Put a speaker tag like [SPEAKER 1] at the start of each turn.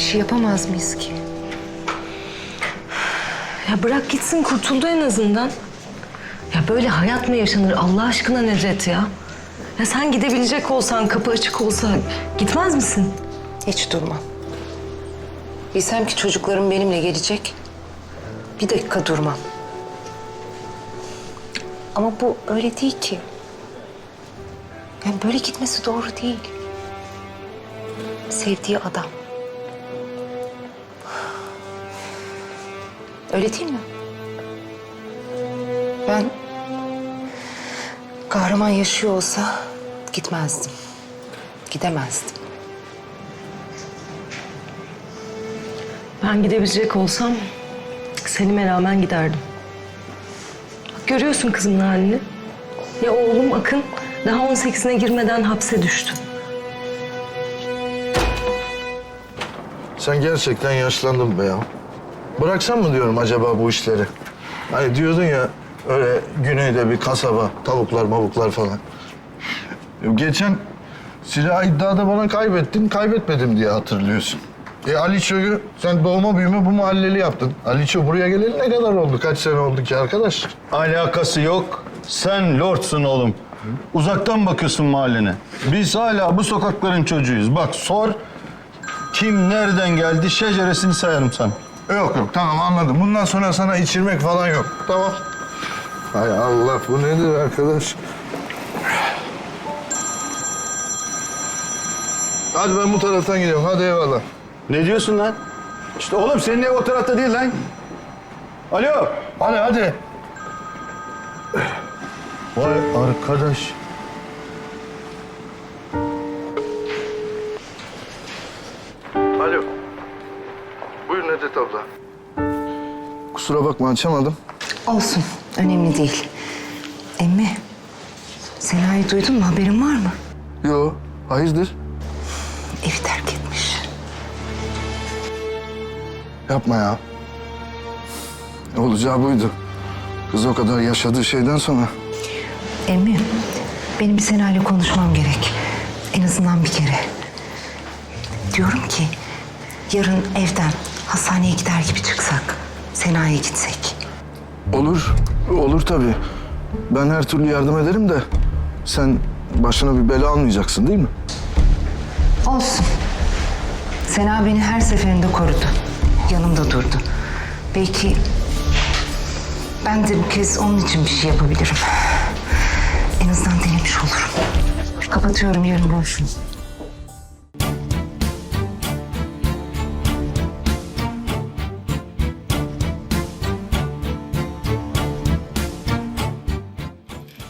[SPEAKER 1] şey yapamaz mıyız ki?
[SPEAKER 2] Ya bırak gitsin, kurtuldu en azından. Ya böyle hayat mı yaşanır Allah aşkına Nedret ya? Ya sen gidebilecek olsan, kapı açık olsa gitmez misin?
[SPEAKER 1] Hiç durmam. Bilsem ki çocuklarım benimle gelecek, bir dakika durmam. Ama bu öyle değil ki. Yani böyle gitmesi doğru değil. Sevdiği adam. Öyle değil mi? Ben kahraman yaşıyor olsa gitmezdim. Gidemezdim.
[SPEAKER 2] Ben gidebilecek olsam Selim'e rağmen giderdim. Bak görüyorsun kızımın halini. Ya oğlum Akın daha 18'ine girmeden hapse düştü.
[SPEAKER 3] Sen gerçekten yaşlandın be ya. Bıraksan mı diyorum acaba bu işleri? Hani diyordun ya öyle güneyde bir kasaba, tavuklar mavuklar falan. Geçen silah iddiada bana kaybetmedim diye hatırlıyorsun. Aliço'yu sen doğma büyüme bu mahalleli yaptın. Aliço buraya geleli ne kadar oldu? Kaç sene oldu ki arkadaş?
[SPEAKER 4] Alakası yok. Sen lordsun oğlum. Uzaktan bakıyorsun mahallene. Biz hala bu sokakların çocuğuyuz. Bak sor, kim nereden geldi şeceresini sayarım sana.
[SPEAKER 3] Yok tamam anladım. Bundan sonra sana içirmek falan yok. Tamam. Hay Allah bu nedir arkadaş? Hadi ben bu taraftan gidiyorum. Hadi eyvallah.
[SPEAKER 4] Ne diyorsun lan? İşte oğlum senin ev o tarafta değil lan. Alo.
[SPEAKER 3] Hadi.
[SPEAKER 4] Vay arkadaş.
[SPEAKER 3] Alo. Buyur Nedret abla. Kusura bakma açamadım.
[SPEAKER 1] Olsun, önemli değil. Emmi, Sena'yı duydun mu? Haberin var mı?
[SPEAKER 3] Yo, hayırdır?
[SPEAKER 1] Evi terk etmiş.
[SPEAKER 3] Yapma ya. Olacağı buydu. Kız o kadar yaşadığı şeyden sonra.
[SPEAKER 1] Emmi, benim bir Sena'yla konuşmam gerek. En azından bir kere. Diyorum ki, yarın evden hastaneye gider gibi çıksak, Sena'ya gitsek.
[SPEAKER 3] Olur tabii. Ben her türlü yardım ederim de sen başına bir bela almayacaksın değil mi?
[SPEAKER 1] Olsun. Sena beni her seferinde korudu. Yanımda durdu. Belki ben de bu kez onun için bir şey yapabilirim. En azından denemiş olurum. Kapatıyorum, yarın görüşürüz.